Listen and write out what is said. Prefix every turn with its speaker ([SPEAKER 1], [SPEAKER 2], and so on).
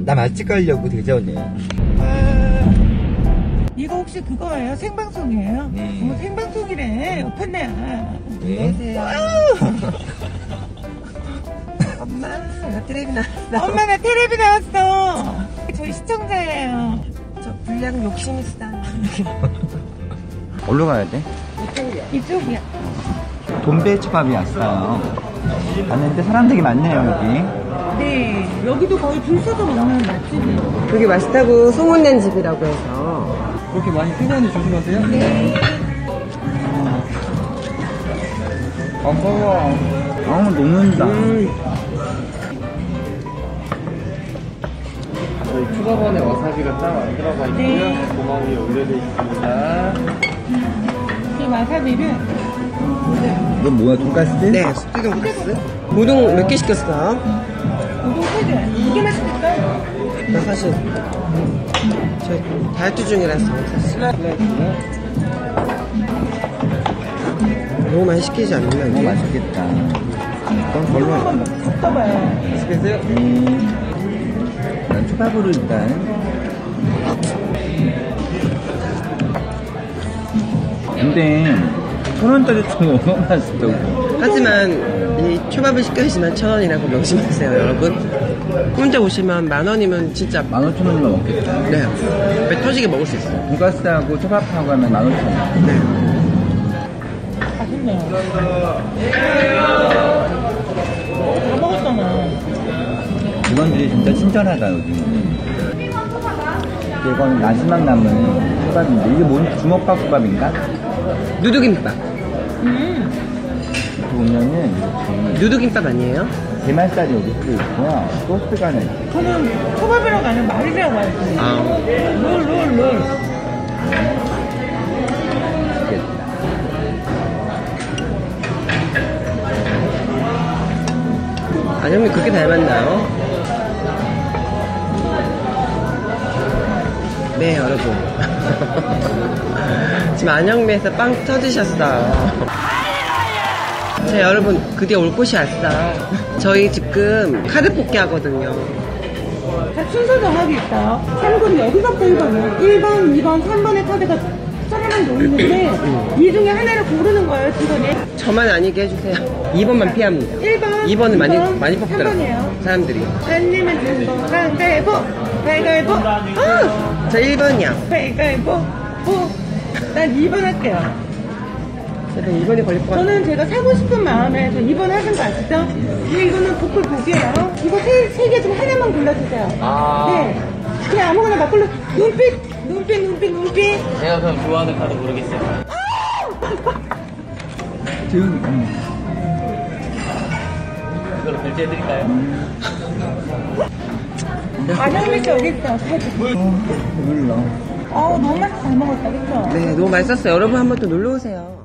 [SPEAKER 1] 나 맛집 가려고 대전에.
[SPEAKER 2] 이거 혹시 그거예요? 생방송이에요?
[SPEAKER 1] 네.
[SPEAKER 2] 생방송이래. 옆에네.
[SPEAKER 1] 네.
[SPEAKER 3] 엄마, 나 텔레비 나왔어.
[SPEAKER 2] 엄마 나 텔레비 나왔어. 저희 시청자예요.
[SPEAKER 3] 저 불량 욕심 있어.
[SPEAKER 1] 어디로 가야 돼?
[SPEAKER 2] 이쪽이야.
[SPEAKER 1] 돈베초밥이 왔어요. 갔는데 사람 되게 많네요, 여기.
[SPEAKER 2] 네. 여기도 거의 줄 서서 먹는 맛집이에요.
[SPEAKER 3] 그게 맛있다고 소문낸 집이라고 해서.
[SPEAKER 1] 그렇게 많이 피곤한데 조심하세요?
[SPEAKER 2] 네.
[SPEAKER 1] 아까워. 녹는다.
[SPEAKER 4] 저희 추가번에 와사비가 딱 안 들어가 있고요.
[SPEAKER 2] 네.
[SPEAKER 4] 고망 위에 올려져 있습니다.
[SPEAKER 2] 이 와사비를
[SPEAKER 1] 이건 뭐야, 돈가스?
[SPEAKER 3] 네, 숙주 돈가스. 우동 몇 개 시켰어?
[SPEAKER 2] 우동 3개. 이게 맛있겠다.
[SPEAKER 3] 나 사실 저 다이어트 중이라서 사실 너무 많이 시키지 않나
[SPEAKER 1] 너무
[SPEAKER 3] 이게?
[SPEAKER 1] 맛있겠다. 그럼
[SPEAKER 2] 이거
[SPEAKER 1] 별로.
[SPEAKER 2] 한번 섞어봐요.
[SPEAKER 1] 맛있겠어요? 난 초밥으로 일단. 근데 1,000원짜리 좀 너무 맛있다고.
[SPEAKER 3] 하지만 이 초밥을 시켜주시면 1,000원이라고 명심하세요 여러분. 혼자 오시면 10,000원이면 진짜
[SPEAKER 1] 15,000원이면 먹겠다.
[SPEAKER 3] 네, 배 터지게 먹을 수 있어요.
[SPEAKER 1] 돈가스하고 초밥하고 하면 15,000원.
[SPEAKER 3] 네.
[SPEAKER 2] 맛있네요. 다 먹었잖아.
[SPEAKER 1] 직원들이 진짜 친절하다, 여기는. 이건 마지막 남은 초밥인데, 이게 뭔 주먹밥 초밥인가?
[SPEAKER 3] 누드김밥.
[SPEAKER 1] 이렇게 보면은, 이렇게
[SPEAKER 3] 누드김밥 아니에요?
[SPEAKER 1] 게말살이 여기 들어있고요. 소스가 하나 있고.
[SPEAKER 2] 저는 초밥이라고 아니면 말이라고 알지.
[SPEAKER 3] 아.
[SPEAKER 2] 롤.
[SPEAKER 1] 맛있겠다.
[SPEAKER 3] 안영미 그렇게 닮았나요? 네 여러분 지금 안영미에서 빵 터지셨어요. 자 여러분 드디어 올 곳이 왔어요. 저희 지금 카드 뽑기 하거든요.
[SPEAKER 2] 자, 순서 정하기 있어요. 3군 여기서부터 1번이요. 1번, 2번, 3번의 카드가 조금만 놓이는데 이 중에 하나를 고르는 거예요, 직원이.
[SPEAKER 3] 저만 아니게 해주세요. 2번만 피합니다.
[SPEAKER 2] 1번,
[SPEAKER 3] 2번은
[SPEAKER 2] 이번,
[SPEAKER 3] 많이 뽑더라고요
[SPEAKER 2] 3번이에요.
[SPEAKER 3] 사람들이.
[SPEAKER 2] 안내면 된거 가위바위보, 가위바위보.
[SPEAKER 3] 저 1번이야.
[SPEAKER 2] 가위바위보, 난 2번 할게요.
[SPEAKER 3] 제가 2번이 걸릴 것 같아요.
[SPEAKER 2] 저는 제가 사고 싶은 마음에 저 2번 하신 거 아시죠? 근데 이거는 보컬 복이에요. 이거 세 개 중 하나만 골라주세요. 네. 그냥 아무거나 막 골라. 눈빛.
[SPEAKER 4] 제가 그럼 좋아하는 카드 모르겠어요. 이걸로 결제해드릴까요?
[SPEAKER 2] 안영미 씨 여기 있어.
[SPEAKER 1] 몰라.
[SPEAKER 2] 너무 맛있게 잘 먹었다, 그쵸?
[SPEAKER 3] 네, 너무 맛있었어요. 여러분 한번 또 놀러 오세요.